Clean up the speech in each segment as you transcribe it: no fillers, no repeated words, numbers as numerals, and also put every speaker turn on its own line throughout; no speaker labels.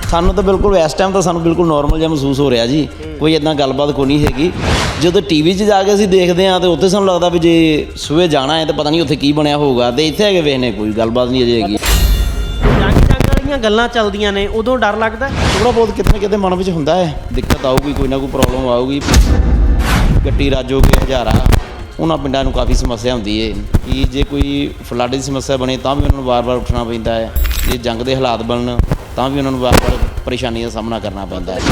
ਸਾਨੂੰ ਤਾਂ ਬਿਲਕੁਲ ਇਸ ਟਾਈਮ ਤਾਂ ਸਾਨੂੰ ਬਿਲਕੁਲ ਨੋਰਮਲ ਜਿਹਾ ਮਹਿਸੂਸ ਹੋ ਰਿਹਾ ਜੀ, ਕੋਈ ਇੱਦਾਂ ਗੱਲਬਾਤ ਕੋਈ ਨਹੀਂ ਹੈਗੀ। ਜਦੋਂ ਟੀਵੀ 'ਚ ਜਾ ਕੇ ਅਸੀਂ ਦੇਖਦੇ ਹਾਂ ਤਾਂ ਉੱਥੇ ਸਾਨੂੰ ਲੱਗਦਾ ਵੀ ਜੇ ਸਵੇਰੇ ਜਾਣਾ ਹੈ ਤਾਂ ਪਤਾ ਨਹੀਂ ਉੱਥੇ ਕੀ ਬਣਿਆ ਹੋਊਗਾ, ਅਤੇ ਇੱਥੇ ਆ ਕੇ ਵੇਖਦੇ ਕੋਈ ਗੱਲਬਾਤ ਨਹੀਂ ਅਜੇ ਹੈਗੀ।
ਜੰਗ ਵਾਲੀਆਂ ਗੱਲਾਂ ਚੱਲਦੀਆਂ ਨੇ ਉਦੋਂ ਡਰ ਲੱਗਦਾ
ਥੋੜ੍ਹਾ ਬਹੁਤ ਕਿਤੇ ਨਾ ਕਿਤੇ ਮਨ ਵਿੱਚ ਹੁੰਦਾ ਹੈ, ਦਿੱਕਤ ਆਊਗੀ, ਕੋਈ ਨਾ ਕੋਈ ਪ੍ਰੋਬਲਮ ਆਊਗੀ। ਗੱਟੀ ਰਾਜੋਗੇ ਹਜ਼ਾਰਾ ਉਹਨਾਂ ਪਿੰਡਾਂ ਨੂੰ ਕਾਫੀ ਸਮੱਸਿਆ ਹੁੰਦੀ ਹੈ ਕਿ ਜੇ ਕੋਈ ਫਲੱਡ ਦੀ ਸਮੱਸਿਆ ਬਣੇ ਤਾਂ ਵੀ ਉਹਨਾਂ ਨੂੰ ਵਾਰ-ਵਾਰ ਉੱਠਣਾ ਪੈਂਦਾ ਹੈ, ਜੇ ਜੰਗ ਦੇ ਹਾਲਾਤ ਬਣਨ ਤਾਂ ਵੀ ਉਹਨਾਂ ਨੂੰ ਵਾਰ-ਵਾਰ ਪਰੇਸ਼ਾਨੀ ਦਾ ਸਾਹਮਣਾ ਕਰਨਾ ਪੈਂਦਾ ਹੈ।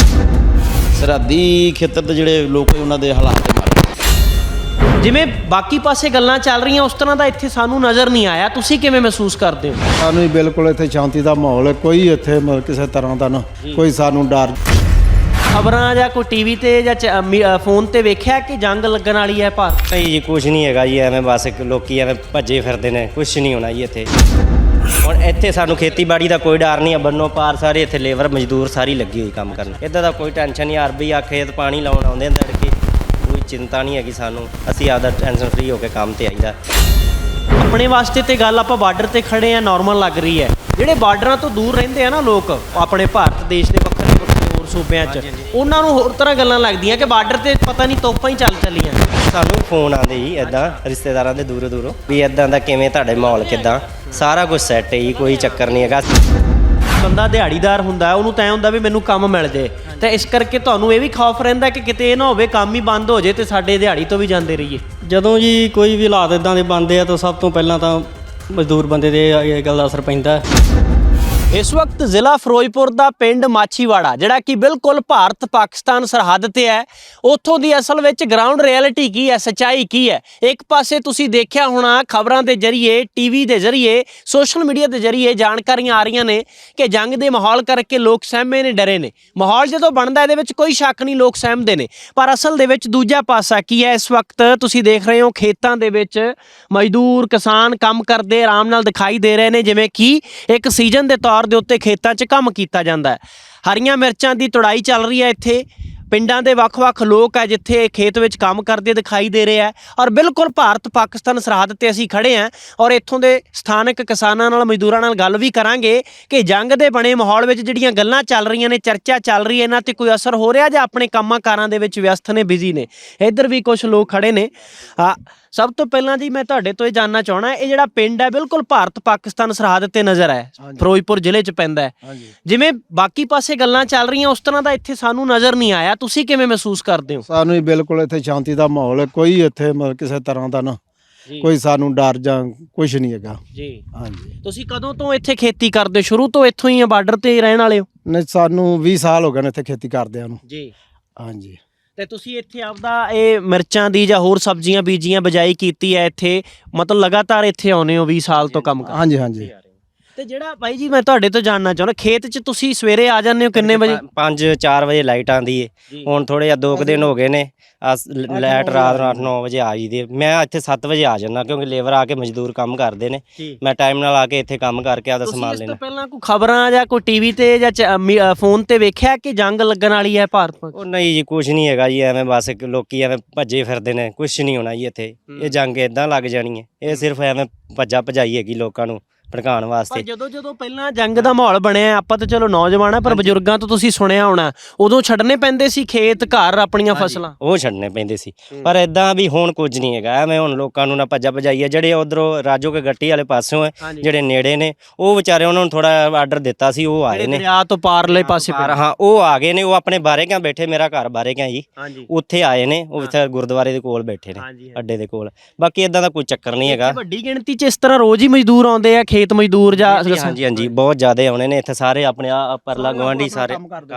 ਸਰਹੱਦੀ ਖੇਤਰ ਦੇ ਜਿਹੜੇ ਲੋਕ ਉਹਨਾਂ ਦੇ ਹਾਲਾਤ ਦੇ ਮਾਰੇ।
ਜਿਵੇਂ ਬਾਕੀ ਪਾਸੇ ਗੱਲਾਂ ਚੱਲ ਰਹੀਆਂ ਉਸ ਤਰ੍ਹਾਂ ਦਾ ਇੱਥੇ ਸਾਨੂੰ ਨਜ਼ਰ ਨਹੀਂ ਆਇਆ, ਤੁਸੀਂ ਕਿਵੇਂ ਮਹਿਸੂਸ ਕਰਦੇ ਹੋ?
ਸਾਨੂੰ ਹੀ ਬਿਲਕੁਲ ਇੱਥੇ ਸ਼ਾਂਤੀ ਦਾ ਮਾਹੌਲ ਹੈ, ਕੋਈ ਇੱਥੇ ਕਿਸੇ ਤਰ੍ਹਾਂ ਦਾ ਨਾ ਕੋਈ ਸਾਨੂੰ ਡਰ।
ਖਬਰਾਂ ਜਾਂ ਕੋਈ ਟੀਵੀ ਤੇ ਜਾਂ ਫੋਨ ਤੇ ਵੇਖਿਆ ਕਿ ਜੰਗ ਲੱਗਣ ਵਾਲੀ ਹੈ ਭਾਰਤ?
ਨਹੀਂ ਜੀ, ਕੁਛ ਨਹੀਂ ਹੈਗਾ ਜੀ, ਐਵੇਂ ਬਸ ਲੋਕੀ ਐਵੇਂ ਭੱਜੇ ਫਿਰਦੇ ਨੇ, ਕੁਛ ਨਹੀਂ ਹੋਣਾ ਜੀ ਇੱਥੇ। ਹੁਣ ਇੱਥੇ ਸਾਨੂੰ ਖੇਤੀਬਾੜੀ ਦਾ ਕੋਈ ਡਰ ਨਹੀਂ ਹੈ, ਬੰਨੋ ਪਾਰ ਸਾਰੇ ਇੱਥੇ ਲੇਬਰ ਮਜ਼ਦੂਰ ਸਾਰੀ ਲੱਗੀ ਹੋਈ ਕੰਮ ਕਰਨ, ਇੱਦਾਂ ਦਾ ਕੋਈ ਟੈਨਸ਼ਨ ਨਹੀਂ। ਅਰਬੀ ਆ ਖੇਤ ਪਾਣੀ ਲਾਉਣ ਆਉਂਦੇ ਨੇ ਤੜਕੇ, ਕੋਈ ਚਿੰਤਾ ਨਹੀਂ ਹੈਗੀ ਸਾਨੂੰ, ਅਸੀਂ ਆਪਦਾ ਟੈਨਸ਼ਨ ਫਰੀ ਹੋ ਕੇ ਕੰਮ ਤੇ ਆਈਦਾ।
ਆਪਣੇ ਵਾਸਤੇ ਤੇ ਗੱਲ ਆਪਾਂ ਬਾਰਡਰ ਤੇ ਖੜੇ ਆ ਨੋਰਮਲ ਲੱਗ ਰਹੀ ਹੈ, ਜਿਹੜੇ ਬਾਰਡਰਾਂ ਤੋਂ ਦੂਰ ਰਹਿੰਦੇ ਆ ਨਾ ਲੋਕ ਆਪਣੇ ਭਾਰਤ ਦੇਸ਼ ਦੇ ਵੱਖਰੇ ਵੱਖਰੇ ਹੋਰ ਸੂਬਿਆਂ 'ਚ, ਉਹਨਾਂ ਨੂੰ ਹੋਰ ਤਰ੍ਹਾਂ ਗੱਲਾਂ ਲੱਗਦੀਆਂ ਕਿ ਬਾਰਡਰ ਤੇ ਪਤਾ ਨਹੀਂ ਤੋਪਾਂ ਹੀ ਚੱਲ ਚੱਲੀਆਂ।
ਸਾਨੂੰ ਫੋਨ ਆਉਂਦੇ ਜੀ ਇੱਦਾਂ ਰਿਸ਼ਤੇਦਾਰਾਂ ਦੇ ਦੂਰੋਂ ਦੂਰੋਂ ਵੀ ਇੱਦਾਂ ਦਾ ਕਿਵੇਂ ਤੁਹਾਡੇ ਮਾਹੌਲ ਕਿੱਦਾਂ, ਸਾਰਾ ਕੁਝ ਸੈੱਟ ਹੈ ਜੀ, ਕੋਈ ਚੱਕਰ ਨਹੀਂ ਹੈਗਾ।
ਬੰਦਾ ਦਿਹਾੜੀਦਾਰ ਹੁੰਦਾ, ਉਹਨੂੰ ਤਾਂ ਹੁੰਦਾ ਵੀ ਮੈਨੂੰ ਕੰਮ ਮਿਲ ਜੇ, ਤੇ ਇਸ ਕਰਕੇ ਤੁਹਾਨੂੰ ਇਹ ਵੀ ਖੌਫ ਰਹਿੰਦਾ ਕਿ ਕਿਤੇ ਇਹ ਨਾ ਹੋਵੇ ਕੰਮ ਹੀ ਬੰਦ ਹੋ ਜੇ ਤੇ ਸਾਡੇ ਦਿਹਾੜੀ ਤੋਂ ਵੀ ਜਾਂਦੇ ਰਹੀਏ।
ਜਦੋਂ ਜੀ ਕੋਈ ਵੀ ਹਾਲਾਤ ਇਦਾਂ ਦੇ ਬਣਦੇ ਆ ਤਾਂ ਸਭ ਤੋਂ ਪਹਿਲਾਂ ਤਾਂ ਮਜ਼ਦੂਰ ਬੰਦੇ ਦੇ ਇਹ ਗੱਲ ਦਾ ਅਸਰ ਪੈਂਦਾ।
ਇਸ ਵਕਤ ਜ਼ਿਲ੍ਹਾ ਫਿਰੋਜ਼ਪੁਰ ਦਾ ਪਿੰਡ ਮਾਛੀਵਾੜਾ ਜਿਹੜਾ ਕਿ ਬਿਲਕੁਲ ਭਾਰਤ ਪਾਕਿਸਤਾਨ ਸਰਹੱਦ ਤੇ ਹੈ, ਉੱਥੋਂ ਦੀ ਅਸਲ ਵਿੱਚ ਗਰਾਊਂਡ ਰਿਐਲਿਟੀ ਕੀ ਹੈ, ਸੱਚਾਈ ਕੀ ਹੈ। ਇੱਕ ਪਾਸੇ ਤੁਸੀਂ ਦੇਖਿਆ ਹੋਣਾ ਖਬਰਾਂ ਦੇ ਜ਼ਰੀਏ, ਟੀਵੀ ਦੇ ਜ਼ਰੀਏ, ਸੋਸ਼ਲ ਮੀਡੀਆ ਦੇ ਜ਼ਰੀਏ ਜਾਣਕਾਰੀਆਂ ਆ ਰਹੀਆਂ ਨੇ ਕਿ ਜੰਗ ਦੇ ਮਾਹੌਲ ਕਰਕੇ ਲੋਕ ਸਹਿਮੇ ਨੇ, ਡਰੇ ਨੇ। ਮਾਹੌਲ ਜਦੋਂ ਬਣਦਾ ਇਹਦੇ ਵਿੱਚ ਕੋਈ ਸ਼ੱਕ ਨਹੀਂ, ਲੋਕ ਸਹਿਮਦੇ ਨੇ, ਪਰ ਅਸਲ ਦੇ ਵਿੱਚ ਦੂਜਾ ਪਾਸਾ ਕੀ ਹੈ। ਇਸ ਵਕਤ ਤੁਸੀਂ ਦੇਖ ਰਹੇ ਹੋ ਖੇਤਾਂ ਦੇ ਵਿੱਚ ਮਜ਼ਦੂਰ ਕਿਸਾਨ ਕੰਮ ਕਰਦੇ ਆਰਾਮ ਨਾਲ ਦਿਖਾਈ ਦੇ ਰਹੇ ਨੇ, ਜਿਵੇਂ ਕਿ ਇੱਕ ਸੀਜ਼ਨ ਦੇ ਤੌਰ ਦੇ ਉੱਤੇ ਖੇਤਾਂ 'ਚ ਕੰਮ ਕੀਤਾ ਜਾਂਦਾ ਹੈ। ਹਰੀਆਂ ਮਿਰਚਾਂ ਦੀ ਤੁੜਾਈ ਚੱਲ ਰਹੀ ਹੈ ਇੱਥੇ। ਪਿੰਡਾਂ ਦੇ ਵੱਖ-ਵੱਖ ਲੋਕ ਹੈ ਜਿੱਥੇ ਖੇਤ ਵਿੱਚ ਕੰਮ ਕਰਦੇ ਦਿਖਾਈ ਦੇ ਰਹੇ ਆ, ਔਰ ਬਿਲਕੁਲ ਭਾਰਤ ਪਾਕਿਸਤਾਨ ਸਰਹੱਦ ਤੇ ਅਸੀਂ ਖੜੇ ਹਾਂ, ਔਰ ਇੱਥੋਂ ਦੇ ਸਥਾਨਕ ਕਿਸਾਨਾਂ ਨਾਲ ਮਜ਼ਦੂਰਾਂ ਨਾਲ ਗੱਲ ਵੀ ਕਰਾਂਗੇ ਕਿ ਜੰਗ ਦੇ ਬਣੇ ਮਾਹੌਲ ਵਿੱਚ ਜਿਹੜੀਆਂ ਗੱਲਾਂ ਚੱਲ ਰਹੀਆਂ ਨੇ, ਚਰਚਾ ਚੱਲ ਰਹੀ ਹੈ, ਇਹਨਾਂ ਤੇ ਕੋਈ ਅਸਰ ਹੋ ਰਿਹਾ ਜਾਂ ਆਪਣੇ ਕੰਮਾਂ ਕਾਰਾਂ ਦੇ ਵਿੱਚ ਵਿਅਸਤ ਨੇ, ਬਿਜ਼ੀ ਨੇ। ਇੱਧਰ ਵੀ ਕੁਝ ਲੋਕ ਖੜੇ ਨੇ। ਸਭ ਤੋਂ ਪਹਿਲਾਂ ਜੀ ਮੈਂ ਤੁਹਾਡੇ ਤੋਂ ਇਹ ਜਾਣਨਾ ਚਾਹਣਾ, ਇਹ ਜਿਹੜਾ ਪਿੰਡ ਹੈ ਬਿਲਕੁਲ ਭਾਰਤ ਪਾਕਿਸਤਾਨ ਸਰਹੱਦ ਤੇ ਨਜ਼ਰ ਹੈ, ਫਿਰੋਜ਼ਪੁਰ ਜ਼ਿਲ੍ਹੇ 'ਚ ਪੈਂਦਾ ਹੈ। ਜਿਵੇਂ ਬਾਕੀ ਪਾਸੇ ਗੱਲਾਂ ਚੱਲ ਰਹੀਆਂ ਉਸ ਤਰ੍ਹਾਂ ਦਾ ਇੱਥੇ ਸਾਨੂੰ ਨਜ਼ਰ ਨਹੀਂ ਆਇਆ, ਤੁਸੀਂ ਕਿਵੇਂ ਮਹਿਸੂਸ ਕਰਦੇ ਹੋ?
ਸਾਨੂੰ ਹੀ ਬਿਲਕੁਲ ਇੱਥੇ ਸ਼ਾਂਤੀ ਦਾ ਮਾਹੌਲ ਹੈ, ਕੋਈ ਇੱਥੇ ਕਿਸੇ ਤਰ੍ਹਾਂ ਦਾ ਨਾ ਕੋਈ ਸਾਨੂੰ ਡਰ ਜਾਂ ਕੁਛ ਨਹੀਂ ਹੈਗਾ
ਜੀ।
ਹਾਂਜੀ।
ਤੁਸੀਂ ਕਦੋਂ ਤੋਂ ਇੱਥੇ ਖੇਤੀ ਕਰਦੇ ਹੋ? ਸ਼ੁਰੂ ਤੋਂ ਇੱਥੋਂ ਹੀ ਆ, ਬਾਰਡਰ ਤੇ ਹੀ ਰਹਿਣ ਵਾਲੇ ਹੋ?
ਨਹੀਂ, ਸਾਨੂੰ 20 ਸਾਲ ਹੋ ਗਏ ਨੇ ਇੱਥੇ ਖੇਤੀ ਕਰਦਿਆਂ ਨੂੰ
ਜੀ।
ਹਾਂਜੀ।
ਤੇ ਤੁਸੀਂ ਇੱਥੇ ਆਪਦਾ ਇਹ ਮਿਰਚਾਂ ਦੀ ਜਾਂ ਹੋਰ ਸਬਜ਼ੀਆਂ ਬੀਜੀਆਂ ਬਜਾਈ ਕੀਤੀ ਹੈ ਇੱਥੇ, ਮਤਲਬ ਲਗਾਤਾਰ ਇੱਥੇ ਆਉਂਦੇ ਹੋ 20 ਸਾਲ ਤੋਂ ਕੰਮ ਕਰਦੇ?
ਹਾਂਜੀ ਹਾਂਜੀ।
ਤੇ ਜਿਹੜਾ ਬਾਈ ਜੀ ਮੈਂ ਤੁਹਾਡੇ ਤੋਂ ਜਾਣਨਾ ਚਾਹੁੰਦਾ, ਖੇਤ 'ਚ ਤੁਸੀਂ ਸਵੇਰੇ ਆ ਜਾਂਦੇ ਹੋ ਕਿੰਨੇ ਵਜੇ?
5-4 ਵਜੇ ਲਾਈਟ ਆਉਂਦੀ ਏ। ਹੁਣ ਥੋੜੇ ਜਿਹਾ 2 ਦਿਨ ਹੋ ਗਏ ਨੇ ਲਾਈਟ ਰਾਤ 8-9 ਵਜੇ ਆ ਜਾਂਦੀ ਹੈ। ਮੈਂ ਇੱਥੇ 7 ਵਜੇ ਆ ਜਾਂਦਾ ਕਿਉਂਕਿ ਲੇਬਰ ਆ ਕੇ ਮਜ਼ਦੂਰ ਕੰਮ ਕਰਦੇ ਨੇ, ਮੈਂ ਟਾਈਮ ਨਾਲ ਆ ਕੇ ਇੱਥੇ ਕੰਮ ਕਰਕੇ ਆਪਦਾ ਸਮਾਨ ਲੈਣਾ।
ਪਹਿਲਾਂ ਕੋਈ ਖਬਰਾਂ ਜਾਂ ਕੋਈ ਟੀਵੀ ਤੇ ਜਾਂ ਫੋਨ ਤੇ ਵੇਖਿਆ ਕਿ ਜੰਗ ਲੱਗਣ ਵਾਲੀ ਹੈ ਭਾਰਤ?
ਉਹ ਨਹੀਂ ਜੀ, ਕੁਛ ਨਹੀਂ ਹੈਗਾ ਜੀ, ਐਵੇਂ ਬਸ ਲੋਕੀ ਐਵੇਂ ਭੱਜੇ ਫਿਰਦੇ ਨੇ, ਕੁਛ ਨਹੀਂ ਹੋਣਾ ਜੀ ਇੱਥੇ। ਇਹ ਜੰਗ ਇੱਦਾਂ ਲੱਗ ਜਾਣੀ ਹੈ, ਇਹ ਸਿਰਫ ਐਵੇਂ ਭੱਜਾ ਭਜਾਈ ਹੈਗੀ ਲੋਕਾਂ ਨੂੰ ਭੜਕਾਉਣ ਵਾਸਤੇ।
ਜਦੋਂ ਪਹਿਲਾਂ ਜੰਗ ਦਾ ਮਾਹੌਲ ਬਣਿਆ, ਆਪਾਂ ਤਾਂ ਚਲੋ ਨੌਜਵਾਨ ਆ, ਪਰ ਬਜ਼ੁਰਗਾਂ ਤੋਂ ਤੁਸੀਂ ਸੁਣਿਆ ਹੋਣਾ, ਉਦੋਂ ਛੱਡਣੇ ਪੈਂਦੇ ਸੀ ਖੇਤ ਘਰ ਆਪਣੀਆਂ ਫਸਲਾਂ, ਉਹ
ਛੱਡਣੇ ਪੈਂਦੇ ਸੀ। ਪਰ ਇਦਾਂ ਵੀ ਹੁਣ ਕੁਝ ਨਹੀਂ ਹੈਗਾ, ਐਵੇਂ ਹੁਣ ਲੋਕਾਂ ਨੂੰ ਨਾ ਭੱਜਾ ਭਜਾਈ ਹੈ। ਜਿਹੜੇ ਉਧਰੋਂ ਰਾਜੋ ਕੇ ਗੱਟੀ ਵਾਲੇ ਪਾਸਿਓਂ ਹੈ, ਜਿਹੜੇ ਨੇੜੇ ਨੇ, ਉਹ ਵਿਚਾਰੇ ਉਹਨਾਂ ਨੂੰ ਥੋੜਾ ਆਰਡਰ ਦਿੱਤਾ ਸੀ, ਉਹ ਆਏ ਨੇ
ਦਰਿਆ ਤੋਂ ਪਾਰਲੇ ਪਾਸੇ।
ਹਾਂ, ਉਹ ਆ ਗਏ ਨੇ, ਉਹ ਆਪਣੇ ਬਾਰੇ ਕਿਆ ਬੈਠੇ, ਮੇਰਾ ਘਰ ਬਾਰੇ ਕਿਆ ਜੀ, ਉੱਥੇ ਆਏ ਨੇ, ਉਹ ਇੱਥੇ ਗੁਰਦੁਆਰੇ ਦੇ ਕੋਲ ਬੈਠੇ ਨੇ, ਅੱਡੇ ਦੇ ਕੋਲ। ਬਾਕੀ ਇਦਾਂ ਦਾ ਕੋਈ ਚੱਕਰ ਨਹੀਂ ਹੈਗਾ।
ਵੱਡੀ ਗਿਣਤੀ 'ਚ ਇਸ ਤਰ੍ਹਾਂ ਰੋਜ਼ ਹੀ ਮਜ਼ਦੂਰ ਆਉਂਦੇ ਆ, ਖੇਤ ਮਜ਼ਦੂਰ ਜਾਂ?
ਹਾਂਜੀ ਹਾਂਜੀ, ਬਹੁਤ ਜ਼ਿਆਦਾ ਆਉਣੇ ਨੇ ਇੱਥੇ ਸਾਰੇ, ਆਪਣੇ ਪਰਲਾ ਗਵਾਂਢੀ ਸਾਰੇ।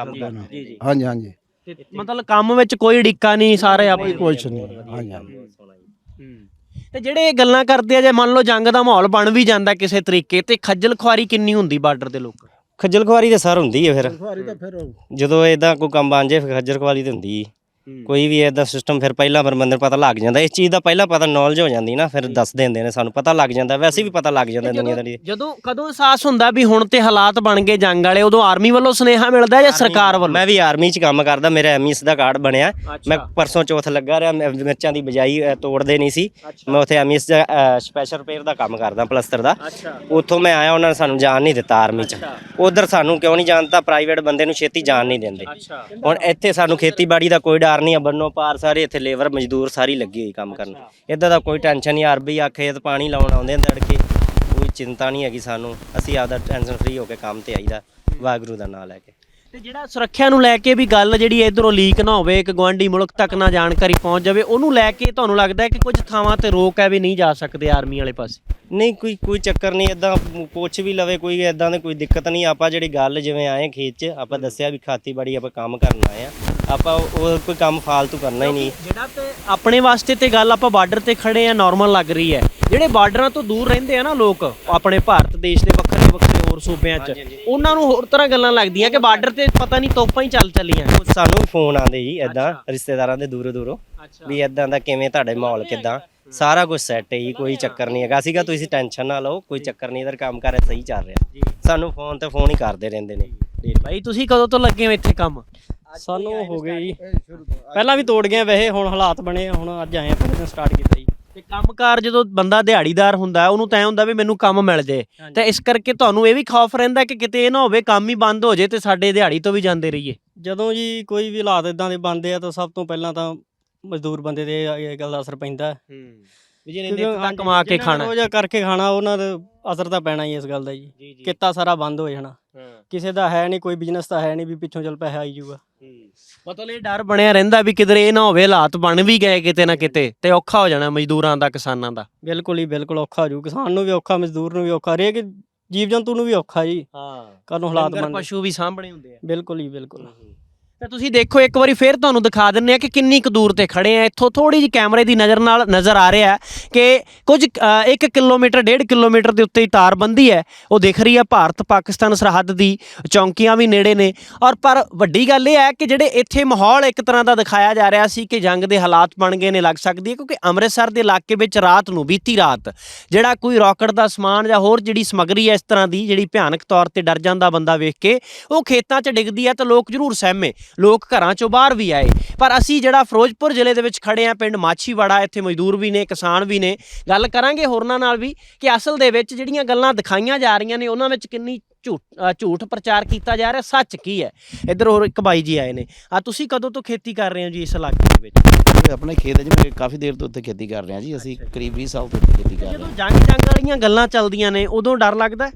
ਹਾਂਜੀ ਹਾਂਜੀ।
ਮਤਲਬ ਕੰਮ ਵਿੱਚ ਕੋਈ ਡਿੱਕਾ ਨਹੀਂ, ਸਾਰੇ ਆਪਣੇ
ਕੁਛ ਨਹੀਂ। ਹਾਂਜੀ ਹਾਂਜੀ।
ਤੇ ਜਿਹੜੇ ਇਹ ਗੱਲਾਂ ਕਰਦੇ ਆ, ਜੇ ਮੰਨ ਲਓ ਜੰਗ ਦਾ ਮਾਹੌਲ ਬਣ ਵੀ ਜਾਂਦਾ ਕਿਸੇ ਤਰੀਕੇ, ਤੇ ਖੱਜਲ ਖੁਆਰੀ ਕਿੰਨੀ ਹੁੰਦੀ ਬਾਰਡਰ ਦੇ ਲੋਕਾਂ?
ਖੱਜਲ ਖੁਆਰੀ ਤਾਂ ਸਰ ਹੁੰਦੀ ਹੈ, ਫਿਰ ਜਦੋਂ ਇਦਾਂ ਕੋਈ ਕੰਮ ਬਣ ਜਾਏ ਫਿਰ ਖੱਜਲ ਖੁਆਰੀ ਤਾਂ ਹੁੰਦੀ। ਕੋਈ ਵੀ ਇਹਦਾ ਸਿਸਟਮ ਫਿਰ ਪਹਿਲਾਂ ਫਿਰ ਬੰਦੇ ਨੂੰ ਪਤਾ ਲੱਗ ਜਾਂਦਾ, ਇਸ ਚੀਜ਼ ਦਾ ਪਹਿਲਾਂ ਪਤਾ ਨੌਲੇਜ ਹੋ ਜਾਂਦੀ ਨਾ, ਫਿਰ ਦੱਸ ਦਿੰਦੇ ਨੇ ਸਾਨੂੰ, ਪਤਾ ਲੱਗ ਜਾਂਦਾ, ਵੈਸੇ ਵੀ ਪਤਾ ਲੱਗ ਜਾਂਦਾ ਦੁਨੀਆਦਾਰੀ।
ਜਦੋਂ ਕਦੋਂ ਅਹਿਸਾਸ ਹੁੰਦਾ ਵੀ ਹੁਣ ਤੇ ਹਾਲਾਤ ਬਣ ਗਏ ਜੰਗ ਵਾਲੇ, ਉਦੋਂ ਆਰਮੀ ਵੱਲੋਂ ਸੁਨੇਹਾ ਮਿਲਦਾ ਜਾਂ ਸਰਕਾਰ ਵੱਲੋਂ?
ਮੈਂ ਵੀ ਆਰਮੀ 'ਚ ਕੰਮ ਕਰਦਾ, ਮੇਰਾ ਐਮਈਐਸ ਦਾ ਕਾਰਡ ਬਣਿਆ, ਮੈਂ ਪਰਸੋਂ ਚੌਥ ਲੱਗਾ ਰਿਹਾ, ਮਿਰਚਾਂ ਦੀ ਬਜਾਈ ਤੋੜਦੇ ਨਹੀਂ ਸੀ, ਮੈਂ ਉੱਥੇ ਐਮਈਐਸ ਦਾ ਸਪੈਸ਼ਲ ਰਿਪੇਅਰ ਦਾ ਕੰਮ ਕਰਦਾ, ਪਲਸਤਰ ਦਾ। ਉੱਥੋਂ ਮੈਂ ਆਇਆ, ਉਹਨਾਂ ਨੇ ਸਾਨੂੰ ਜਾਣ ਨਹੀਂ ਦਿੱਤਾ ਆਰਮੀ 'ਚ। ਉਧਰ ਸਾਨੂੰ ਕਿਉਂ ਨਹੀਂ ਜਾਣਦਾ, ਪ੍ਰਾਈਵੇਟ ਬੰਦੇ ਨੂੰ ਛੇਤੀ ਜਾਣ ਨਹੀਂ ਦਿੰਦੇ। ਹੁਣ ਇੱਥੇ ਸਾਨੂੰ ਖੇਤੀਬਾੜੀ ਦਾ ਕੋਈ ਡਰ ਨਹੀਂ ਆ, ਬੰਨੋ ਪਾਰ ਸਾਰੇ ਇੱਥੇ ਲੇਬਰ ਮਜ਼ਦੂਰ ਸਾਰੀ ਲੱਗੀ ਹੋਈ ਕੰਮ ਕਰਨ, ਇੱਦਾਂ ਦਾ ਕੋਈ ਟੈਨਸ਼ਨ ਨਹੀਂ। ਅਰਬੀ ਆ ਖੇਤ ਪਾਣੀ ਲਾਉਣ ਆਉਂਦੇ ਨੇ ਤੜਕੇ, ਕੋਈ ਚਿੰਤਾ ਨਹੀਂ ਹੈਗੀ ਸਾਨੂੰ, ਅਸੀਂ ਆਪਦਾ ਟੈਨਸ਼ਨ ਫ੍ਰੀ ਹੋ ਕੇ ਕੰਮ ਤੇ ਆਈਦਾ ਵਾਹਿਗੁਰੂ ਦਾ ਨਾਮ ਲੈ ਕੇ।
ਤੇ ਜਿਹੜਾ ਸੁਰੱਖਿਆ ਨੂੰ ਲੈ ਕੇ ਵੀ ਗੱਲ ਜਿਹੜੀ ਇਧਰੋਂ ਲੀਕ ਨਾ ਹੋਵੇ, ਇੱਕ ਗਵਾਂਢੀ ਮੁਲਕ ਤੱਕ ਨਾ ਜਾਣਕਾਰੀ ਪਹੁੰਚ ਜਾਵੇ, ਉਹਨੂੰ ਲੈ ਕੇ ਤੁਹਾਨੂੰ ਲੱਗਦਾ ਹੈ ਕਿ ਕੁਝ ਥਾਵਾਂ ਤੇ ਰੋਕ ਹੈ ਵੀ ਨਹੀਂ ਜਾ ਸਕਦੇ ਆਰਮੀ ਵਾਲੇ ਪਾਸੇ?
ਨਹੀਂ, ਕੋਈ ਚੱਕਰ ਨਹੀਂ, ਇੱਦਾਂ ਪੁੱਛ ਵੀ ਲਵੇ ਕੋਈ, ਇੱਦਾਂ ਦੀ ਕੋਈ ਦਿੱਕਤ ਨਹੀਂ। ਆਪਾਂ ਜਿਹੜੀ ਗੱਲ ਜਿਵੇਂ ਆਏ ਖੇਤ 'ਚ, ਆਪਾਂ ਦੱਸਿਆ ਵੀ ਖੇਤੀਬਾੜੀ ਆਪਾਂ ਕੰਮ ਕਰਨ ਆਏ ਆ, ਆਪਾਂ ਉਹ ਕੋਈ ਕੰਮ ਫਾਲਤੂ ਕਰਨਾ ਹੀ ਨਹੀਂ।
ਜਿਹੜਾ ਤੇ ਆਪਣੇ ਵਾਸਤੇ ਤੇ ਗੱਲ ਆਪਾਂ ਬਾਰਡਰ ਤੇ ਖੜੇ ਆ ਨਾਰਮਲ ਲੱਗ ਰਹੀ ਹੈ, ਜਿਹੜੇ ਬਾਰਡਰਾਂ ਤੋਂ ਦੂਰ ਰਹਿੰਦੇ ਆ ਨਾ ਲੋਕ ਆਪਣੇ ਭਾਰਤ ਦੇਸ਼ ਦੇ ਵੱਖਰੇ ਹੋਰ ਸੂਬਿਆਂ 'ਚ, ਉਹਨਾਂ ਨੂੰ ਹੋਰ ਤਰ੍ਹਾਂ ਗੱਲਾਂ ਲੱਗਦੀਆਂ ਕਿ ਬਾਰਡਰ ਤੇ ਪਤਾ ਨਹੀਂ ਤੋਪਾਂ ਹੀ ਚੱਲ ਚੱਲੀਆਂ।
ਸਾਨੂੰ ਫੋਨ ਆਉਂਦੇ ਜੀ ਇੱਦਾਂ ਰਿਸ਼ਤੇਦਾਰਾਂ ਦੇ ਦੂਰੋਂ ਵੀ ਇੱਦਾਂ ਦਾ ਕਿਵੇਂ, ਤੁਹਾਡੇ ਮਾਹੌਲ ਕਿੱਦਾਂ, ਸਾਰਾ ਕੁਝ ਸੈੱਟ ਹੈ ਜੀ, ਕੋਈ ਚੱਕਰ ਨਹੀਂ ਹੈਗਾ ਸੀਗਾ, ਤੁਸੀਂ ਟੈਨਸ਼ਨ ਨਾ ਲਓ, ਕੋਈ ਚੱਕਰ ਨਹੀਂ, ਇਧਰ ਕੰਮ ਕਰ ਸਹੀ ਚੱਲ ਰਿਹਾ। ਸਾਨੂੰ ਫੋਨ ਤੇ ਫੋਨ ਹੀ ਕਰਦੇ ਰਹਿੰਦੇ ਨੇ।
ਭਾਈ ਤੁਸੀਂ ਕਦੋਂ ਤੋਂ ਲੱਗੇ ਹੋ ਇੱਥੇ ਕੰਮ?
ਸਾਨੂੰ ਹੋ ਗਏ ਜੀ, ਪਹਿਲਾਂ ਵੀ ਤੋੜ ਗਏ ਵੈਸੇ, ਹੁਣ ਹਾਲਾਤ ਬਣੇ, ਹੁਣ ਅੱਜ ਆਏ ਪਹਿਲੇ ਦਿਨ ਸਟਾਰਟ ਕੀਤਾ ਜੀ।
ਤੇ ਕੰਮਕਾਰ ਜਦੋਂ ਬੰਦਾ ਦਿਹਾੜੀਦਾਰ ਹੁੰਦਾ ਉਹਨੂੰ ਤਾਂ ਐ ਹੁੰਦਾ ਵੀ ਮੈਨੂੰ ਕੰਮ ਮਿਲ ਜੇ, ਤੇ ਇਸ ਕਰਕੇ ਤੁਹਾਨੂੰ ਇਹ ਵੀ ਖੌਫ ਰਹਿੰਦਾ ਕਿ ਕਿਤੇ ਇਹ ਨਾ ਹੋਵੇ ਕੰਮ ਹੀ ਬੰਦ ਹੋ ਜੇ ਤੇ ਸਾਡੇ ਦਿਹਾੜੀ ਤੋਂ ਵੀ ਜਾਂਦੇ ਰਹੀਏ?
ਜਦੋਂ ਜੀ ਕੋਈ ਵੀ ਹਾਲਾਤ ਇਦਾਂ ਦੇ ਬਣਦੇ ਆ ਤਾਂ ਸਭ ਤੋਂ ਪਹਿਲਾਂ ਤਾਂ ਮਜ਼ਦੂਰ ਬੰਦੇ ਤੇ ਇਹ ਗੱਲ ਦਾ ਅਸਰ ਪੈਂਦਾ,
ਵੀ ਜਿਹਨੇ ਨਿੱਤ ਤੱਕ ਕਮਾ ਕੇ ਖਾਣਾ,
ਰੋਜ਼ ਕਰਕੇ ਖਾਣਾ, ਉਹਨਾਂ ਦੇ ਅਸਰ ਤਾਂ ਪੈਣਾ ਹੀ ਇਸ ਗੱਲ ਦਾ ਜੀ। ਕਿੱਤਾ ਸਾਰਾ ਬੰਦ ਹੋ ਜਾਣਾ, ਕਿਸੇ ਦਾ ਹੈ ਨਹੀਂ, ਕੋਈ ਬਿਜ਼ਨਸ ਤਾਂ ਹੈ ਨਹੀਂ ਵੀ ਪਿੱਛੋਂ ਚੱਲ ਪੈਸਾ ਆਈ ਜਾਊਗਾ।
ਮਤਲਬ ਇਹ ਡਰ ਬਣਿਆ ਰਹਿੰਦਾ ਵੀ ਕਿਧਰੇ ਇਹ ਨਾ ਹੋਵੇ ਹਾਲਾਤ ਬਣ ਵੀ ਗਏ ਕਿਤੇ ਨਾ ਕਿਤੇ ਤੇ ਔਖਾ ਹੋ ਜਾਣਾ ਮਜ਼ਦੂਰਾਂ ਦਾ, ਕਿਸਾਨਾਂ ਦਾ।
ਬਿਲਕੁਲ ਹੀ ਬਿਲਕੁਲ ਔਖਾ ਹੋ ਜੂ, ਕਿਸਾਨ ਨੂੰ ਵੀ ਔਖਾ, ਮਜ਼ਦੂਰ ਨੂੰ ਵੀ ਔਖਾ, ਹਰੇਕ ਜੀਵ ਜੰਤੂ ਨੂੰ ਵੀ ਔਖਾ ਜੀ। ਕਦੋਂ ਹਾਲਾਤ ਬਣ,
ਪਸ਼ੂ ਵੀ ਸਾਂਭਣੇ ਹੁੰਦੇ ਆ।
ਬਿਲਕੁਲ ਹੀ ਬਿਲਕੁਲ।
ਤਾਂ ਤੁਸੀਂ ਦੇਖੋ ਇੱਕ ਵਾਰੀ ਫੇਰ ਤੁਹਾਨੂੰ ਦਿਖਾ ਦਿੰਨੇ ਆ ਕਿ ਕਿੰਨੀ ਕੁ ਦੂਰ ਤੇ ਖੜੇ ਆ, ਇੱਥੋਂ ਥੋੜੀ ਜਿਹੀ ਕੈਮਰੇ ਦੀ ਨਜ਼ਰ ਨਾਲ ਨਜ਼ਰ ਆ ਰਿਹਾ ਕਿ ਕੁਝ 1 ਕਿਲੋਮੀਟਰ 1.5 ਕਿਲੋਮੀਟਰ ਦੇ ਉੱਤੇ ਹੀ ਤਾਰਬੰਦੀ ਹੈ, ਉਹ ਦਿਖ ਰਹੀ ਹੈ। ਭਾਰਤ ਪਾਕਿਸਤਾਨ ਸਰਹੱਦ ਦੀ ਚੌਂਕੀਆਂ ਵੀ ਨੇੜੇ ਨੇ, ਔਰ ਪਰ ਵੱਡੀ ਗੱਲ ਇਹ ਹੈ ਕਿ ਜਿਹੜੇ ਇੱਥੇ ਮਾਹੌਲ ਇੱਕ ਤਰ੍ਹਾਂ ਦਾ ਦਿਖਾਇਆ ਜਾ ਰਿਹਾ ਸੀ ਕਿ ਜੰਗ ਦੇ ਹਾਲਾਤ ਬਣ ਗਏ ਨੇ, ਲੱਗ ਸਕਦੀ ਹੈ, ਕਿਉਂਕਿ ਅੰਮ੍ਰਿਤਸਰ ਦੇ ਇਲਾਕੇ ਵਿੱਚ ਰਾਤ ਨੂੰ, ਬੀਤੀ ਰਾਤ, ਜਿਹੜਾ ਕੋਈ ਰੌਕਟ ਦਾ ਸਮਾਨ ਜਾਂ ਹੋਰ ਜਿਹੜੀ ਸਮੱਗਰੀ ਹੈ ਇਸ ਤਰ੍ਹਾਂ ਦੀ ਜਿਹੜੀ ਭਿਆਨਕ ਤੌਰ ਤੇ ਡਰ ਜਾਂਦਾ ਬੰਦਾ ਵੇਖ ਕੇ, ਉਹ ਖੇਤਾਂ 'ਚ ਡਿੱਗਦੀ ਹੈ ਤਾਂ ਲੋਕ ਜ਼ਰੂਰ ਸਹਿਮੇ, ਲੋਕ ਘਰਾਂ ਚੋਂ ਬਾਹਰ ਵੀ ਆਏ। ਪਰ ਅਸੀਂ ਜਿਹੜਾ ਫਿਰੋਜ਼ਪੁਰ ਜ਼ਿਲ੍ਹੇ ਦੇ ਵਿੱਚ ਖੜੇ ਆ, ਪਿੰਡ ਮਾਛੀਵਾੜਾ, ਇੱਥੇ ਮਜ਼ਦੂਰ ਵੀ ਨੇ, ਕਿਸਾਨ ਵੀ ਨੇ, ਗੱਲ ਕਰਾਂਗੇ ਹੋਰਨਾਂ ਨਾਲ ਵੀ ਕਿ ਅਸਲ ਦੇ ਵਿੱਚ ਜਿਹੜੀਆਂ ਗੱਲਾਂ ਦਿਖਾਈਆਂ ਜਾ ਰਹੀਆਂ ਨੇ ਉਹਨਾਂ ਵਿੱਚ ਕਿੰਨੀ ਝੂਠ ਪ੍ਰਚਾਰ ਕੀਤਾ ਜਾ ਰਿਹਾ, ਸੱਚ ਕੀ ਹੈ। ਇੱਧਰ ਹੋਰ ਇੱਕ ਬਾਈ ਜੀ ਆਏ ਨੇ। ਤੁਸੀਂ ਕਦੋਂ ਤੋਂ ਖੇਤੀ ਕਰ ਰਹੇ ਹੋ ਜੀ ਇਸ ਇਲਾਕੇ ਦੇ ਵਿੱਚ?
ਆਪਣੇ ਖੇਤ 'ਚ ਮੈਂ ਕਾਫੀ ਦੇਰ ਤੋਂ ਉੱਥੇ ਖੇਤੀ ਕਰ ਰਿਹਾ ਜੀ, ਅਸੀਂ ਕਰੀਬ 20 ਸਾਲ ਤੋਂ ਉੱਥੇ ਖੇਤੀ ਕਰ ਰਹੇ
ਜਦੋਂ ਜੰਗ ਵਾਲੀਆਂ ਗੱਲਾਂ ਚੱਲਦੀਆਂ ਨੇ ਉਦੋਂ ਡਰ ਲੱਗਦਾ?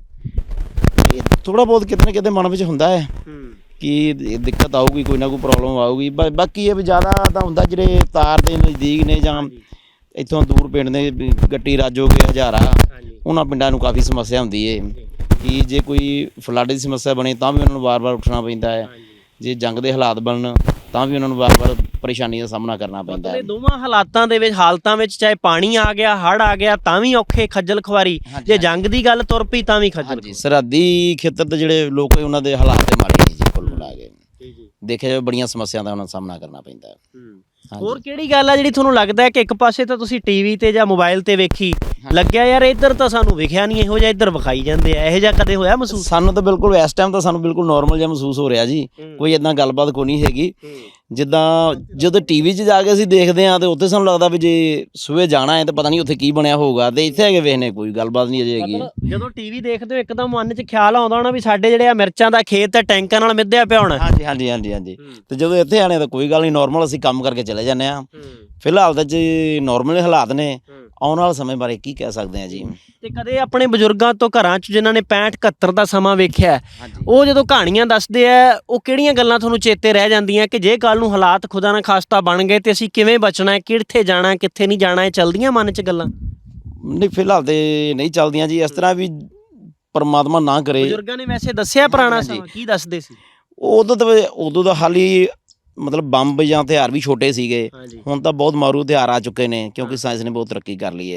ਇਹ ਥੋੜਾ ਬਹੁਤ ਕਿਤੇ ਨਾ ਕਿਤੇ ਮਨ ਵਿੱਚ ਹੁੰਦਾ ਹੈ ਕਿ ਦਿੱਕਤ ਆਊਗੀ, ਕੋਈ ਨਾ ਕੋਈ ਪ੍ਰੋਬਲਮ ਆਊਗੀ। ਬਾਕੀ ਇਹ ਵੀ ਜ਼ਿਆਦਾ ਤਾਂ ਹੁੰਦਾ ਜਿਹੜੇ ਤਾਰ ਦੇ ਨਜ਼ਦੀਕ ਨੇ ਜਾਂ ਇੱਥੋਂ ਦੂਰ ਪਿੰਡ ਨੇ, ਗੱਟੀ ਰਾਜੋਗੇ, ਹਜ਼ਾਰਾ, ਉਹਨਾਂ ਪਿੰਡਾਂ ਨੂੰ ਕਾਫੀ ਸਮੱਸਿਆ ਹੁੰਦੀ ਹੈ ਕਿ ਜੇ ਕੋਈ ਫਲੱਡ ਦੀ ਸਮੱਸਿਆ ਬਣੇ ਤਾਂ ਵੀ ਉਹਨਾਂ ਨੂੰ ਵਾਰ-ਵਾਰ ਉੱਠਣਾ ਪੈਂਦਾ ਹੈ, ਜੇ ਜੰਗ ਦੇ ਹਾਲਾਤ ਬਣਨ ਤਾਂ ਵੀ ਉਹਨਾਂ ਨੂੰ ਵਾਰ-ਵਾਰ ਪਰੇਸ਼ਾਨੀ ਦਾ ਸਾਹਮਣਾ ਕਰਨਾ ਪੈਂਦਾ ਹੈ।
ਦੋਵਾਂ ਹਾਲਤਾਂ ਵਿੱਚ ਚਾਹੇ ਪਾਣੀ ਆ ਗਿਆ, ਹੜ੍ਹ ਆ ਗਿਆ, ਤਾਂ ਵੀ ਔਖੇ, ਖੱਜਲ ਖੁਆਰੀ, ਜੇ ਜੰਗ ਦੀ ਗੱਲ ਤੁਰ ਪਈ ਤਾਂ ਵੀ ਖੱਜਲ।
ਸਰਹੱਦੀ ਖੇਤਰ ਦੇ ਜਿਹੜੇ ਲੋਕ ਉਹਨਾਂ ਦੇ ਹਾਲਾਤ ਤੇ ਮਾੜੇ ਨਹੀਂ ਜੀ, ਕੁੱਲ ਮਿਲਾ ਕੇ ਦੇਖਿਆ ਜਾਵੇ ਬੜੀਆਂ ਸਮੱਸਿਆ ਦਾ ਉਹਨਾਂ ਨੂੰ ਸਾਹਮਣਾ ਕਰਨਾ ਪੈਂਦਾ ਹੈ।
ਹੋਰ ਕਿਹੜੀ ਗੱਲ ਆ ਜਿਹੜੀ ਤੁਹਾਨੂੰ ਲੱਗਦਾ ਹੈ ਕਿ ਇੱਕ ਪਾਸੇ ਤਾਂ ਤੁਸੀਂ ਟੀਵੀ ਤੇ ਜਾਂ ਮੋਬਾਈਲ ਤੇ ਵੇਖੀ ਲੱਗਿਆ, ਯਾਰ ਇੱਧਰ ਤਾਂ ਸਾਨੂੰ ਵਿਖਿਆ ਨਹੀਂ, ਇਹੋ ਜਿਹਾ ਇੱਧਰ ਵਿਖਾਈ ਜਾਂਦੇ ਆ, ਇਹੋ ਜਿਹਾ ਕਦੇ ਹੋਇਆ ਮਹਿਸੂਸ?
ਸਾਨੂੰ ਤਾਂ ਬਿਲਕੁਲ ਇਸ ਟਾਈਮ ਤਾਂ ਸਾਨੂੰ ਬਿਲਕੁਲ ਨੋਰਮਲ ਜਿਹਾ ਮਹਿਸੂਸ ਹੋ ਰਿਹਾ ਜੀ, ਕੋਈ ਇੱਦਾਂ ਗੱਲਬਾਤ ਕੋਈ ਨਹੀਂ ਹੈਗੀ। ਜਿੱਦਾਂ ਜਦੋਂ ਟੀਵੀ 'ਚ ਜਾ ਕੇ ਅਸੀਂ ਦੇਖਦੇ ਹਾਂ ਤੇ ਉੱਥੇ ਸਾਨੂੰ ਲੱਗਦਾ ਵੀ ਜੇ ਸਵੇਰੇ ਜਾਣਾ ਹੈ ਤਾਂ ਪਤਾ ਨਹੀਂ ਉੱਥੇ ਕੀ ਬਣਿਆ ਹੋਊਗਾ, ਤੇ ਇੱਥੇ ਹੈਗੇ ਵੇਖਨੇ ਕੋਈ ਗੱਲਬਾਤ ਨਹੀਂ ਅਜੇ ਹੈਗੀ।
ਜਦੋਂ ਟੀਵੀ ਦੇਖਦੇ ਹੋ ਇੱਕਦਮ ਮਨ 'ਚ ਖਿਆਲ ਆਉਂਦਾ ਹੋਣਾ ਵੀ ਸਾਡੇ ਜਿਹੜੇ ਆ ਮਿਰਚਾਂ ਦਾ ਖੇਤ ਹੈ ਟੈਂਕਾਂ ਨਾਲ ਮਿੱਧਿਆ ਪਿਆ ਹੋਣਾ।
ਹਾਂਜੀ। ਤੇ ਜਦੋਂ ਇੱਥੇ ਆਣੇ ਤਾਂ ਕੋਈ ਗੱਲ ਨਹੀਂ, ਨੋਰਮਲ ਅਸੀਂ ਕੰਮ ਕਰਕੇ ਚਲੇ ਜਾਂਦੇ ਹਾਂ। ਫਿਲਹਾਲ ਤਾਂ ਜੀ ਨੋਰਮਲ ਹਾਲਾਤ ਨੇ, ਆਉਣ ਵਾਲੇ ਸਮੇਂ ਬਾਰੇ ਕੀ ਕਹਿ ਸਕਦੇ ਹਾਂ ਜੀ।
ਤੇ ਕਦੇ ਆਪਣੇ ਬਜ਼ੁਰਗਾਂ ਤੋਂ ਘਰਾਂ 'ਚ ਜਿਨ੍ਹਾਂ ਨੇ 65-71 ਦਾ ਸਮਾਂ ਵੇਖਿਆ, ਉਹ ਜਦੋਂ ਕਹਾਣੀਆਂ ਦੱਸਦੇ ਆ, ਉਹ ਕਿਹੜੀਆਂ ਗੱਲਾਂ ਤੁਹਾਨੂੰ ਚੇਤੇ ਰਹਿ ਜਾਂਦੀਆਂ ਕਿ ਜੇ ਕੱਲ ਨੂੰ ਹਾਲਾਤ ਖੁਦਾ ਨਾ ਖਾਸਤਾ ਬਣ ਗਏ ਤੇ ਅਸੀਂ ਕਿਵੇਂ ਬਚਣਾ ਹੈ, ਕਿੱਥੇ ਜਾਣਾ ਹੈ, ਕਿੱਥੇ ਨਹੀਂ ਜਾਣਾ ਹੈ, ਚੱਲਦੀਆਂ ਮਨ 'ਚ ਗੱਲਾਂ?
ਨਹੀਂ, ਫਿਲਹਾਲ ਤੇ ਨਹੀਂ ਚੱਲਦੀਆਂ ਜੀ, ਇਸ ਤਰ੍ਹਾਂ ਵੀ ਪਰਮਾਤਮਾ ਨਾ ਕਰੇ।
ਬਜ਼ੁਰਗਾਂ ਨੇ ਵੈਸੇ ਦੱਸਿਆ ਪੁਰਾਣਾ ਸਮਾਂ, ਕੀ ਦੱਸਦੇ ਸੀ?
ਉਦੋਂ ਦਾ ਹਾਲ ਹੀ ਮਤਲਬ ਬੰਬ ਜਾਂ ਹਥਿਆਰ ਵੀ ਛੋਟੇ ਸੀਗੇ, ਹੁਣ ਤਾਂ ਬਹੁਤ ਮਾਰੂ ਹਥਿਆਰ ਆ ਚੁੱਕੇ ਨੇ ਕਿਉਂਕਿ ਸਾਇੰਸ ਨੇ ਬਹੁਤ ਤਰੱਕੀ ਕਰ ਲਈ ਹੈ।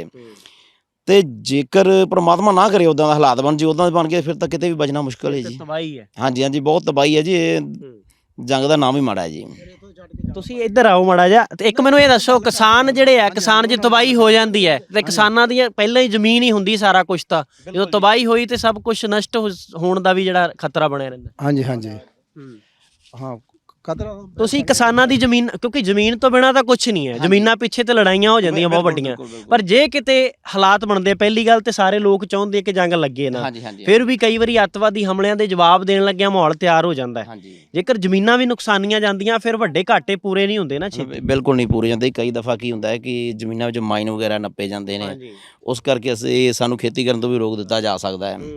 ਤੇ ਜੇਕਰ ਪ੍ਰਮਾਤਮਾ ਨਾ ਕਰੇ ਉੱਦਾਂ ਦਾ ਹਾਲਾਤ ਬਣ ਜੇ, ਉੱਦਾਂ ਦੇ ਬਣ ਗਏ, ਫਿਰ ਤਾਂ ਕਿਤੇ ਵੀ ਬਚਣਾ ਮੁਸ਼ਕਲ ਹੈ ਜੀ।
ਤਬਾਹੀ ਹੈ।
ਹਾਂਜੀ, ਬਹੁਤ ਤਬਾਹੀ ਹੈ ਜੀ। ਇਹ ਜੰਗ ਦਾ ਨਾਮ ਹੀ ਮਾੜਾ ਹੈ ਜੀ।
ਤੁਸੀਂ ਇੱਧਰ ਆਓ ਮਾੜਾ ਜਿਹਾ ਤੇ ਇੱਕ ਮੈਨੂੰ ਇਹ ਦੱਸੋ, ਕਿਸਾਨ ਜਿਹੜੇ ਆ, ਕਿਸਾਨ ਜੇ ਤਬਾਹੀ ਹੋ ਜਾਂਦੀ ਹੈ ਤੇ ਕਿਸਾਨਾਂ ਦੀਆਂ ਪਹਿਲਾਂ ਹੀ ਜ਼ਮੀਨ ਹੀ ਹੁੰਦੀ ਸਾਰਾ ਕੁਝ, ਤਾਂ ਜਦੋਂ ਤਬਾਹੀ ਹੋਈ ਤੇ ਸਭ ਕੁਝ ਨਸ਼ਟ ਹੋਣ ਦਾ ਵੀ ਜਿਹੜਾ ਖਤਰਾ ਬਣਿਆ ਰਹਿੰਦਾ।
ਹਾਂਜੀ ਹਾਂਜੀ ਹਾਂ ਖਤਰਾ
ਤੁਸੀਂ ਕਿਸਾਨਾਂ ਦੀ ਜ਼ਮੀਨ, ਕਿਉਂਕਿ ਜ਼ਮੀਨ ਤੋਂ ਬਿਨਾਂ ਤਾਂ ਕੁਝ ਨਹੀਂ ਹੈ, ਜ਼ਮੀਨਾਂ ਪਿੱਛੇ ਤੇ ਲੜਾਈਆਂ ਹੋ ਜਾਂਦੀਆਂ ਬਹੁਤ ਵੱਡੀਆਂ, ਪਰ ਜੇ ਕਿਤੇ ਹਾਲਾਤ ਬਣਦੇ, ਪਹਿਲੀ ਗੱਲ ਤੇ ਸਾਰੇ ਲੋਕ ਚਾਹੁੰਦੇ ਕਿ ਜੰਗ ਲੱਗੇ ਨਾ, ਫਿਰ ਵੀ ਕਈ ਵਾਰੀ ਅੱਤਵਾਦੀ ਹਮਲਿਆਂ ਦੇ ਜਵਾਬ ਦੇਣ ਲੱਗਿਆ ਮਾਹੌਲ ਤਿਆਰ ਹੋ ਜਾਂਦਾ ਹੈ। ਜੇਕਰ ਜ਼ਮੀਨਾਂ ਵੀ ਨੁਕਸਾਨੀਆਂ ਜਾਂਦੀਆਂ ਫਿਰ ਵੱਡੇ ਘਾਟੇ ਪੂਰੇ ਨਹੀਂ ਹੁੰਦੇ ਨਾ ਛੇਤੀ।
ਬਿਲਕੁਲ ਨਹੀਂ ਪੂਰੇ ਜਾਂਦੇ। ਕਈ ਦਫਾ ਕੀ ਹੁੰਦਾ ਹੈ ਕਿ ਜ਼ਮੀਨਾਂ ਵਿੱਚ ਮਾਈਨ ਵਗੈਰਾ ਨੱਪੇ ਜਾਂਦੇ ਨੇ, ਉਸ ਕਰਕੇ ਅਸੀਂ ਸਾਨੂੰ ਖੇਤੀ ਕਰਨ ਤੋਂ ਵੀ ਰੋਕ ਦਿੱਤਾ ਜਾ ਸਕਦਾ ਹੈ।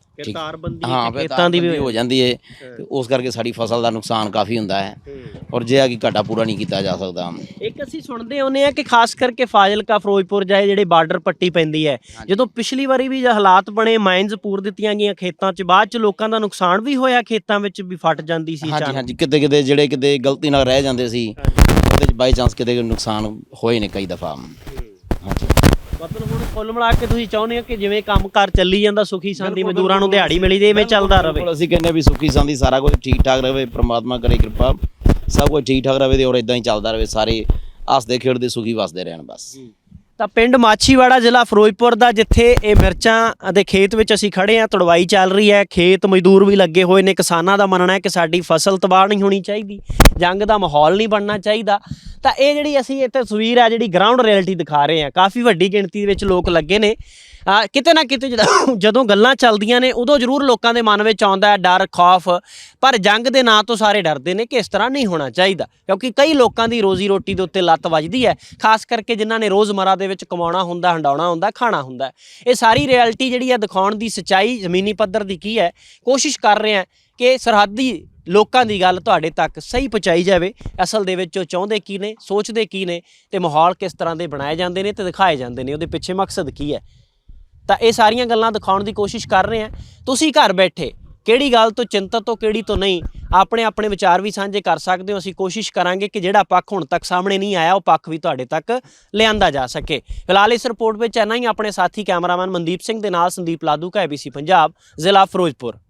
ਖੇਤਾਂ ਦੀ ਵੀ ਹੋ ਜਾਂਦੀ ਹੈ, ਉਸ ਕਰਕੇ ਸਾਡੀ ਫਸਲ ਦਾ ਨੁਕਸਾਨ ਕਾਫੀ ਹੁੰਦਾ ਹੈ, ਔਰ ਜੇ ਆ ਕਿ ਘਾਟਾ ਪੂਰਾ ਨਹੀਂ ਕੀਤਾ ਜਾ ਸਕਦਾ।
ਇੱਕ ਅਸੀਂ ਸੁਣਦੇ ਹੁੰਦੇ ਆ ਕਿ ਖਾਸ ਕਰਕੇ ਫਾਜ਼ਿਲਕਾ, ਫਿਰੋਜ਼ਪੁਰ ਜਾਏ ਜਿਹੜੇ ਬਾਰਡਰ ਪੱਟੀ ਪੈਂਦੀ ਹੈ, ਜਦੋਂ ਪਿਛਲੀ ਵਾਰੀ ਵੀ ਹਾਲਾਤ ਬਣੇ, ਮਾਈਨਸ ਪੂਰ ਦਿੱਤੀਆਂ ਗਈਆਂ ਖੇਤਾਂ 'ਚ, ਬਾਅਦ 'ਚ ਲੋਕਾਂ ਦਾ ਨੁਕਸਾਨ ਵੀ ਹੋਇਆ, ਖੇਤਾਂ ਵਿੱਚ ਵੀ ਫਟ ਜਾਂਦੀ ਸੀ।
ਹਾਂਜੀ ਕਿਤੇ ਕਿਤੇ ਜਿਹੜੇ ਕਿਤੇ ਗਲਤੀ ਨਾਲ ਰਹਿ ਜਾਂਦੇ ਸੀ, ਉਹਦੇ 'ਚ ਬਾਈ ਚਾਂਸ ਕਿਤੇ ਨੁਕਸਾਨ ਹੋਏ ਨੇ ਕਈ ਦਫਾ। ਹਾਂਜੀ
ਮਤਲਬ ਹੁਣ ਕੁੱਲ ਮਿਲਾ ਕੇ ਤੁਸੀਂ ਚਾਹੁੰਦੇ ਹੋ ਕਿ ਜਿਵੇਂ ਕੰਮਕਾਰ ਚੱਲੀ ਜਾਂਦਾ, ਸੁਖੀ ਸਾਂਦੀ ਮਜ਼ਦੂਰਾਂ ਨੂੰ ਦਿਹਾੜੀ ਮਿਲੀ ਦੇ, ਇਵੇਂ ਚੱਲਦਾ ਰਹੇ।
ਅਸੀਂ ਕਹਿੰਦੇ ਵੀ ਸੁਖੀ ਸਾਂਦੀ ਸਾਰਾ ਕੁਝ ਠੀਕ ਠਾਕ ਰਹੇ, ਪ੍ਰਮਾਤਮਾ ਕਰੇ ਕਿਰਪਾ, ਸਭ ਕੁਝ ਠੀਕ ਠਾਕ ਰਹੇ ਤੇ ਔਰ ਇਦਾਂ ਹੀ ਚੱਲਦਾ ਰਹੇ, ਸਾਰੇ ਹੱਸਦੇ ਖੇਡਦੇ ਸੁਖੀ ਵਸਦੇ ਰਹਿਣ ਬਸ।
ਤਾਂ ਪਿੰਡ ਮਾਛੀਵਾੜਾ, ਜ਼ਿਲ੍ਹਾ ਫਿਰੋਜ਼ਪੁਰ ਦਾ, ਜਿੱਥੇ ਇਹ ਮਿਰਚਾਂ ਦੇ ਖੇਤ ਵਿੱਚ ਅਸੀਂ ਖੜੇ ਹਾਂ, ਤੁੜਵਾਈ ਚੱਲ ਰਹੀ ਹੈ, ਖੇਤ ਮਜ਼ਦੂਰ ਵੀ ਲੱਗੇ ਹੋਏ ਨੇ। ਕਿਸਾਨਾਂ ਦਾ ਮੰਨਣਾ ਹੈ ਕਿ ਸਾਡੀ ਫਸਲ ਤਬਾਹ ਨਹੀਂ ਹੋਣੀ ਚਾਹੀਦੀ, ਜੰਗ ਦਾ ਮਾਹੌਲ ਨਹੀਂ ਬਣਨਾ ਚਾਹੀਦਾ। ਤਾਂ ਇਹ ਜਿਹੜੀ ਅਸੀਂ ਇਹ ਤਸਵੀਰ ਹੈ, ਜਿਹੜੀ ਗਰਾਊਂਡ ਰਿਐਲਿਟੀ ਦਿਖਾ ਰਹੇ ਹਾਂ, ਕਾਫੀ ਵੱਡੀ ਗਿਣਤੀ ਦੇ ਵਿੱਚ ਲੋਕ ਲੱਗੇ ਨੇ। ਕਿਤੇ ਨਾ ਕਿਤੇ ਜਦੋਂ ਗੱਲਾਂ ਚੱਲਦੀਆਂ ਨੇ ਉਦੋਂ ਜ਼ਰੂਰ ਲੋਕਾਂ ਦੇ ਮਨ ਵਿੱਚ ਆਉਂਦਾ ਹੈ ਡਰ, ਖੌਫ, ਪਰ ਜੰਗ ਦੇ ਨਾਂ ਤੋਂ ਸਾਰੇ ਡਰਦੇ ਨੇ ਕਿ ਇਸ ਤਰ੍ਹਾਂ ਨਹੀਂ ਹੋਣਾ ਚਾਹੀਦਾ, ਕਿਉਂਕਿ ਕਈ ਲੋਕਾਂ ਦੀ ਰੋਜ਼ੀ ਰੋਟੀ ਦੇ ਉੱਤੇ ਲੱਤ ਵੱਜਦੀ ਹੈ, ਖਾਸ ਕਰਕੇ ਜਿਨ੍ਹਾਂ ਨੇ ਰੋਜ਼ਮਰਾ ਦੇ ਵਿੱਚ ਕਮਾਉਣਾ ਹੁੰਦਾ, ਹੰਡਾਉਣਾ ਹੁੰਦਾ, ਖਾਣਾ ਹੁੰਦਾ। ਇਹ ਸਾਰੀ ਰਿਐਲਿਟੀ ਜਿਹੜੀ ਹੈ ਦਿਖਾਉਣ ਦੀ ਸੱਚਾਈ ਜ਼ਮੀਨੀ ਪੱਧਰ ਦੀ ਕੀ ਹੈ, ਕੋਸ਼ਿਸ਼ ਕਰ ਰਹੇ ਹਾਂ ਕਿ ਸਰਹੱਦੀ ਲੋਕਾਂ ਦੀ ਗੱਲ ਤੁਹਾਡੇ ਤੱਕ ਸਹੀ ਪਹੁੰਚਾਈ ਜਾਵੇ। ਅਸਲ ਦੇ ਵਿੱਚ ਉਹ ਚਾਹੁੰਦੇ ਕੀ ਨੇ, ਸੋਚਦੇ ਕੀ ਨੇ, ਤੇ ਮਾਹੌਲ ਕਿਸ ਤਰ੍ਹਾਂ ਦੇ ਬਣਾਏ ਜਾਂਦੇ ਨੇ ਤੇ ਦਿਖਾਏ ਜਾਂਦੇ ਨੇ, ਉਹਦੇ ਪਿੱਛੇ ਮਕਸਦ ਕੀ ਹੈ। ਤਾਂ ਇਹ ਸਾਰੀਆਂ ਗੱਲਾਂ ਦਿਖਾਉਣ ਦੀ ਕੋਸ਼ਿਸ਼ ਕਰ ਰਹੇ ਹਾਂ। ਤੁਸੀਂ ਘਰ ਬੈਠੇ ਕਿਹੜੀ ਗੱਲ ਤੋਂ ਚਿੰਤਤ ਹੋ, ਕਿਹੜੀ ਤੋਂ ਨਹੀਂ, ਆਪਣੇ ਆਪਣੇ ਵਿਚਾਰ ਵੀ ਸਾਂਝੇ ਕਰ ਸਕਦੇ ਹੋ। ਅਸੀਂ ਕੋਸ਼ਿਸ਼ ਕਰਾਂਗੇ ਕਿ ਜਿਹੜਾ ਪੱਖ ਹੁਣ ਤੱਕ ਸਾਹਮਣੇ ਨਹੀਂ ਆਇਆ ਉਹ ਪੱਖ ਵੀ ਤੁਹਾਡੇ ਤੱਕ ਲਿਆਂਦਾ ਜਾ ਸਕੇ। ਫਿਲਹਾਲ ਇਸ ਰਿਪੋਰਟ ਵਿੱਚ ਇੰਨਾ ਹੀ। ਆਪਣੇ ਸਾਥੀ ਕੈਮਰਾਮੈਨ ਮਨਦੀਪ ਸਿੰਘ ਦੇ ਨਾਲ ਸੰਦੀਪ ਲਾਧੂ, ABC ਪੰਜਾਬ, ਜ਼ਿਲ੍ਹਾ ਫਿਰੋਜ਼ਪੁਰ।